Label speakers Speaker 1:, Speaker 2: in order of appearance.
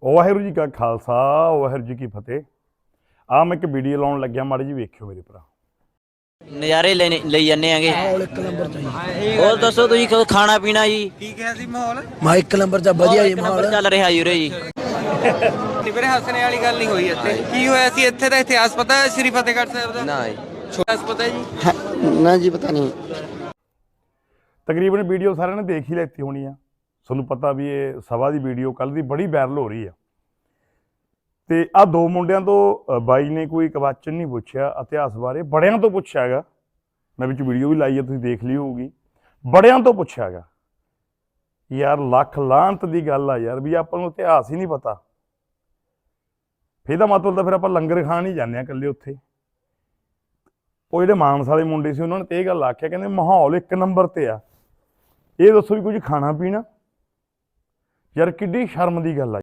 Speaker 1: ਵਾਹਿਗੁਰੂ ਜੀ ਕਾ ਖਾਲਸਾ ਵਾਹਿਗੁਰੂ ਜੀ ਕੀ ਫਤਿਹ। ਆ ਮੈਂ ਇੱਕ ਵੀਡੀਓ ਲਾਉਣ ਲੱਗਿਆ, ਮਾੜੀ ਜੀ ਵੇਖਿਓ ਮੇਰੇ ਭਰਾ।
Speaker 2: ਨਜ਼ਾਰੇ ਲਈ ਜਾਂਦੇ ਆਂਗੇ।
Speaker 3: ਮਾਹੌਲ ਇੱਕ ਨੰਬਰ ਚਾਹੀਦਾ।
Speaker 2: ਹੋਰ ਦੱਸੋ ਤੁਸੀਂ ਖਾਣਾ ਪੀਣਾ ਜੀ
Speaker 4: ਕੀ ਕਿਹਾ ਸੀ ਮਾਹੌਲ?
Speaker 3: ਮੈਂ ਇੱਕ ਨੰਬਰ ਚ ਵਧੀਆ ਜੀ
Speaker 2: ਨੰਬਰ
Speaker 3: ਮਾਹੌਲ
Speaker 2: ਚੱਲ ਰਿਹਾ ਜੀ ਉਰੇ ਜੀ।
Speaker 4: ਵੀਰੇ ਹੱਸਣੇ ਵਾਲੀ ਗੱਲ ਨਹੀਂ ਹੋਈ ਇੱਥੇ। ਕੀ ਹੋਇਆ ਸੀ ਇੱਥੇ ਦਾ ਇਤਿਹਾਸ ਪਤਾ ਹੈ ਸ੍ਰੀ ਫਤਿਹਗੜ੍ਹ ਸਾਹਿਬ ਦਾ?
Speaker 5: ਨਾ
Speaker 4: ਇਤਿਹਾਸ ਪਤਾ ਹੈ ਜੀ?
Speaker 5: ਨਾ ਜੀ ਪਤਾ ਨਹੀਂ।
Speaker 1: ਤਕਰੀਬਨ ਵੀਡੀਓ ਸਾਰਿਆਂ ਨੇ ਦੇਖ ਹੀ ਲੈਤੀ ਹੋਣੀ ਆ। ਤੁਹਾਨੂੰ ਪਤਾ ਵੀ ਇਹ ਸਭਾ ਦੀ ਵੀਡੀਓ ਕੱਲ੍ਹ ਦੀ ਬੜੀ ਵਾਇਰਲ ਹੋ ਰਹੀ ਆ। ਤੇ ਆਹ ਦੋ ਮੁੰਡਿਆਂ ਤੋਂ ਬਾਈ ਨੇ ਕੋਈ ਕੁਐਸਚਨ ਨਹੀਂ ਪੁੱਛਿਆ ਇਤਿਹਾਸ ਬਾਰੇ, ਬੜਿਆਂ ਤੋਂ ਪੁੱਛਿਆ ਹੈਗਾ। ਮੈਂ ਵਿੱਚ ਵੀਡੀਓ ਵੀ ਲਾਈ ਹੈ, ਤੁਸੀਂ ਦੇਖ ਲਈ ਹੋਊਗੀ। ਬੜਿਆਂ ਤੋਂ ਪੁੱਛਿਆ ਹੈਗਾ। ਯਾਰ ਲੱਖ ਲਾਹਨਤ ਦੀ ਗੱਲ ਆ ਯਾਰ, ਵੀ ਆਪਾਂ ਨੂੰ ਇਤਿਹਾਸ ਹੀ ਨਹੀਂ ਪਤਾ। ਫਿਰ ਇਹਦਾ ਮਤਲਬ ਤਾਂ ਫਿਰ ਆਪਾਂ ਲੰਗਰ ਖਾਣ ਹੀ ਜਾਂਦੇ ਹਾਂ ਇਕੱਲੇ ਉੱਥੇ। ਉਹ ਜਿਹੜੇ ਮਾਨਸ ਵਾਲੇ ਮੁੰਡੇ ਸੀ ਉਹਨਾਂ ਨੇ ਤੇ ਇਹ ਗੱਲ ਆਖਿਆ, ਕਹਿੰਦੇ ਮਾਹੌਲ ਇੱਕ ਨੰਬਰ ਤੇ ਆ। ਇਹ ਦੱਸੋ ਵੀ ਕੁਝ ਖਾਣਾ ਪੀਣਾ? ਯਾਰ ਕਿੱਡੀ ਸ਼ਰਮ ਦੀ ਗੱਲ ਆ।